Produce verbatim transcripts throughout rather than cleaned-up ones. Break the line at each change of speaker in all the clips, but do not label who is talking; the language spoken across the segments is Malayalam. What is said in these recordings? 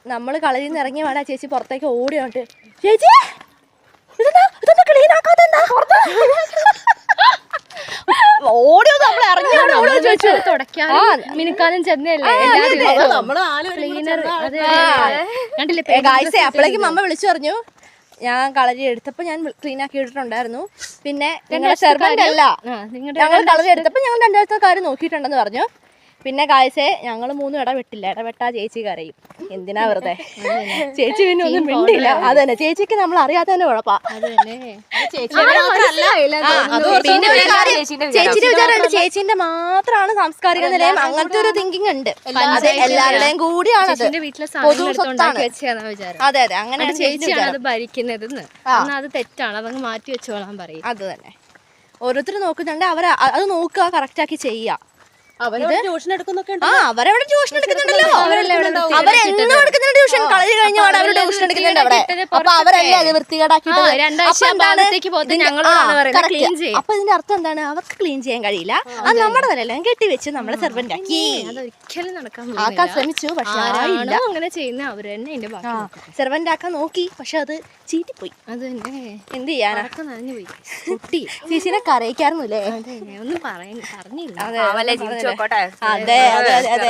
നമ്മൾ കളരിയിൽ നിന്ന് ഇറങ്ങി വേണം ചേച്ചി പുറത്തേക്ക് ഓടിയോണ്ട് ചേച്ചി ഇതെന്താ ഇതൊന്നും ക്ലീൻ ആക്കാതെന്താ ഓടിയോ നമ്മൾ ഇറങ്ങിയോണ്ട് ഓടിയോ ചോദിച്ചു
തുടക്കാനും മിനുക്കാനും ചെന്നല്ലേ
അപ്പോഴേക്കും അമ്മ വിളിച്ചു പറഞ്ഞു ഞാൻ കളരി എടുത്തപ്പോ ഞാൻ ക്ലീൻ ആക്കി ഇട്ടിട്ടുണ്ടായിരുന്നു പിന്നെ നിങ്ങളുടെ സെർവന്റ് അല്ല ഞങ്ങൾ കളരി എടുത്തപ്പോ ഞങ്ങൾ രണ്ടാമത്തെ കാര്യം നോക്കിയിട്ടുണ്ടെന്ന് പറഞ്ഞു പിന്നെ കാഴ്ചയെ ഞങ്ങൾ മൂന്നും ഇടപെട്ടില്ല ഇടപെട്ടാ ചേച്ചി കരയും എന്തിനാ വെറുതെ ചേച്ചി പിന്നെ ഒന്നും മിണ്ടില്ല അത് തന്നെ ചേച്ചിക്ക് നമ്മൾ അറിയാതെ തന്നെ കുഴപ്പാ ചേച്ചിയുടെ വിചാരമുണ്ട് ചേച്ചിന്റെ മാത്രമാണ് സാംസ്കാരിക നിലയം അങ്ങനത്തെ ഒരു തിങ്കിങ് ഉണ്ട് അത് എല്ലാവരുടെയും കൂടിയാണ് അതെ അതെ അങ്ങനെ
ചേച്ചിയാണ് അത് ഭരിക്കുന്നതെന്ന് അത് തെറ്റാണ് അതങ്ങ് മാറ്റി വെച്ചോളാൻ പറയും
അത് തന്നെ ഓരോരുത്തർ നോക്കുന്നുണ്ട് അവർ അത് നോക്കുക കറക്റ്റ് ആക്കി ചെയ്യുക
ട്യൂഷൻ എടുക്കുന്നൊക്കെ
ആ അവരവിടെ ട്യൂഷൻ എടുക്കുന്നുണ്ടല്ലോ അവരെന്നും എടുക്കുന്നുണ്ട് ട്യൂഷൻ കളരി കഴിഞ്ഞ പാടെ അവർ ട്യൂഷൻ എടുക്കുന്നുണ്ട് അവിടെ അപ്പൊ അവരല്ലേ അത് വൃത്തികേടാക്കിട്ട് അപ്പൊ ഇതിന്റെ അർത്ഥം എന്താണ് അവർക്ക് ക്ലീൻ ചെയ്യാൻ കഴിയില്ല അത് നമ്മുടെ തലയെല്ലാം കെട്ടിവെച്ച് നമ്മളെ സെർവന്റ് ആക്കി
ഒരിക്കലും നടക്കാൻ
ആക്കാൻ ശ്രമിച്ചു പക്ഷെ
അങ്ങനെ ചെയ്യുന്ന അവര് തന്നെ അതിന്റെ
സെർവന്റ് ആക്കാൻ നോക്കി പക്ഷെ അത് ചീറ്റിപ്പോയി
അത് തന്നെ
എന്ത് ചെയ്യാനാ
നനഞ്ഞു പോയി കുട്ടി
ചേച്ചിനെ കരയിക്കാറുന്നില്ലേ
ഒന്നും പറഞ്ഞില്ല
അതെ അതെ അതെ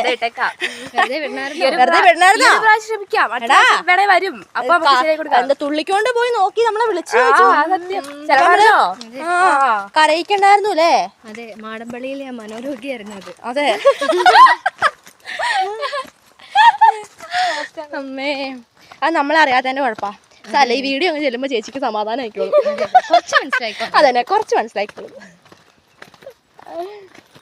വെറുതെ തുള്ളിക്കൊണ്ട് പോയി നോക്കി നമ്മളെ വിളിച്ചു കരയിക്കണ്ടായിരുന്നു അല്ലേ
അതെ മാടമ്പള്ളിയിലെ മനോരോഗിയായിരുന്നു അത്
അതെ അമ്മേ അത് നമ്മളറിയാതെ തന്നെ കുഴപ്പാ അല്ല ഈ വീഡിയോ അങ്ങ് ചെല്ലുമ്പോ ചേച്ചിക്ക് സമാധാനം ആയിക്കോളും
കുറച്ച് മനസ്സിലായിക്കോ
അതന്നെ കുറച്ച് മനസ്സിലായിക്കോളും